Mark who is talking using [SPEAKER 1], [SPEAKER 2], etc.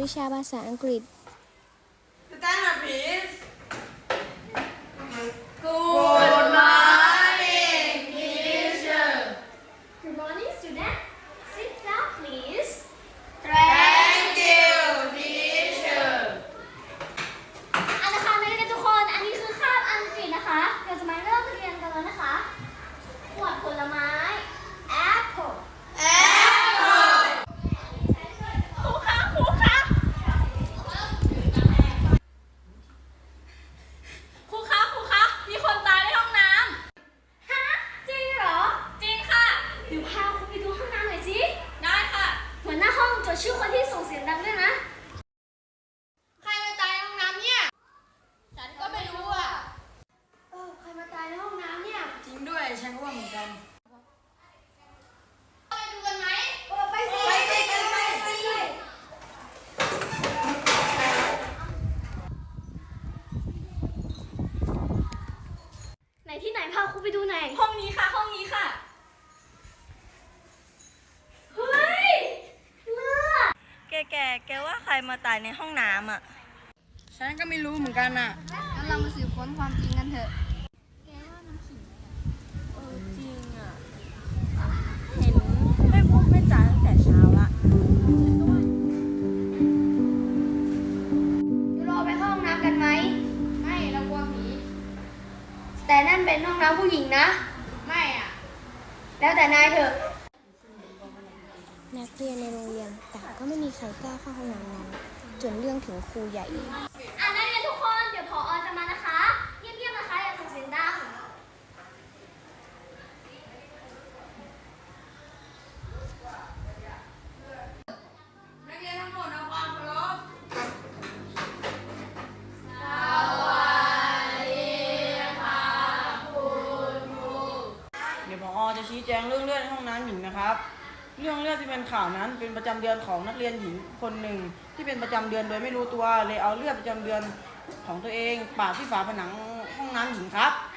[SPEAKER 1] วิชาภาษาอังกฤษ
[SPEAKER 2] Stand up, please.
[SPEAKER 3] Good morning, teacher.
[SPEAKER 4] Good morning, student. Sit down, please.
[SPEAKER 3] Thank you, teacher.
[SPEAKER 4] อันนะคะนักเรียนทุกคนอันนี้คือคาบอังกฤษนะคะเดี๋ยวจะมาเริ่มเรียนกันแล้วนะคะหมวดผลไม้ apple
[SPEAKER 3] Apple.
[SPEAKER 4] ครูคะครูคะ
[SPEAKER 5] ครูคะครูคะมีคนตายในห้องน้
[SPEAKER 4] ฮะจริงเหรอ
[SPEAKER 5] ำจริงค่ะ
[SPEAKER 4] เดี๋ยวพาครูไปดูห้องน้ำหน่อยสิ
[SPEAKER 5] ได้ค่ะ
[SPEAKER 4] หัวหน้าห้องจดชื่อคนที่ส่งเสียงดังด้วยนะ
[SPEAKER 3] ใครมาตายในห้องน้ำเนี่ย ฉันก็ไม่รู้อ่ะ
[SPEAKER 4] ใครมาตายในห้องน้ำเนี่ย
[SPEAKER 2] จริงด้วย ฉันก็ว่าเหมือนกัน
[SPEAKER 3] ไปดูกันไหม
[SPEAKER 4] ไปสิ
[SPEAKER 3] ไปสิ
[SPEAKER 4] ไหนที่ไหนพาครูไปดูหน่อย
[SPEAKER 5] ห้องนี้ค่ะ ห้องนี้ค่ะ
[SPEAKER 4] เฮ้ยเลือด
[SPEAKER 6] แกว่าใครมาตายในห้องน้ำอ่ะ
[SPEAKER 2] ฉันก็ไม่รู้เหมือนกันน่ะ
[SPEAKER 3] งั้นเรามาสืบค้นความจริงกันเถอะ
[SPEAKER 6] จริงอ่ะ เห็นไม่พูดไม่จาตั้งแต่เช้าละ
[SPEAKER 4] เราไปเข้าห้องน้ำกันไหม
[SPEAKER 3] ไม่เรากลัวผี
[SPEAKER 4] แต่นั่นเป็นห้องน้ำผู้หญิงนะ
[SPEAKER 3] ไม่อ่ะ
[SPEAKER 4] แล้วแต่นายเถอะ
[SPEAKER 1] นักเรียนในโรงเรียนต่างก็ไม่มีใครกล้าเข้าห้องน้ำนั้น จนเรื่องถึงครูใหญ่
[SPEAKER 4] นักเรียนทุกคน เดี๋ยวผอจะมานะคะ เงียบๆนะคะ อย่าส่งเสียงดัง
[SPEAKER 3] นักเรียนทั้งหมดเอาความเคารพ
[SPEAKER 2] เดี๋ยวผอจะชี้แจงเรื่องเลือดในห้องน้ำหญิงนะครับ เรื่องเลือดที่เป็นข่าวนั้นเป็นประจำเดือนของนักเรียนหญิงคนหนึ่งที่เป็นประจำเดือนโดยไม่รู้ตัวเลยเอาเลือดประจำเดือนของตัวเองปาดที่ฝาผนังห้องน้ำหญิงครับ